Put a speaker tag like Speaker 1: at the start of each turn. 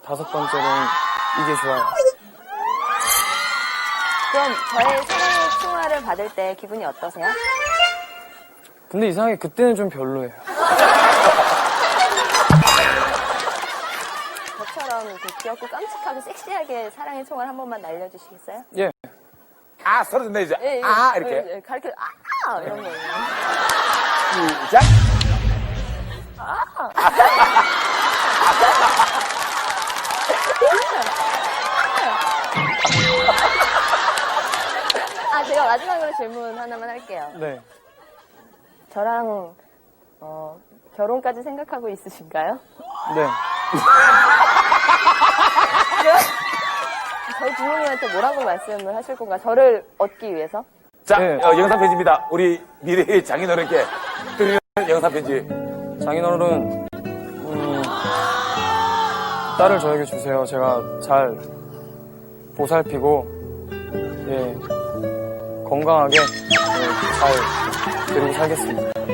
Speaker 1: 5번째는 이게 좋아요.
Speaker 2: 그럼 저의 사랑의 총알을 받을 때 기분이 어떠세요?
Speaker 1: 근데 이상하게 그때는 좀 별로예요.
Speaker 2: 저처럼 이렇게 귀엽고 깜찍하고 섹시하게 사랑의 총알 한 번만 날려주시겠어요?
Speaker 1: 예.
Speaker 3: 아, 서로 듣네, 이제.
Speaker 2: 예, 예.
Speaker 3: 아, 이렇게.
Speaker 2: 예, 가르쳐, 이런 거.
Speaker 3: 시작.
Speaker 2: 제가 마지막으로 질문 하나만 할게요.
Speaker 1: 네.
Speaker 2: 저랑, 결혼까지 생각하고 있으신가요?
Speaker 1: 네.
Speaker 2: 저희 부모님한테 뭐라고 말씀을 하실 건가? 저를 얻기 위해서?
Speaker 3: 자,
Speaker 1: 네.
Speaker 3: 영상 편지입니다. 우리 미래의 장인어른께 드리는 영상 편지.
Speaker 1: 장인어른, 딸을 저에게 주세요. 제가 잘 보살피고, 예, 건강하게, 잘 데리고 살겠습니다.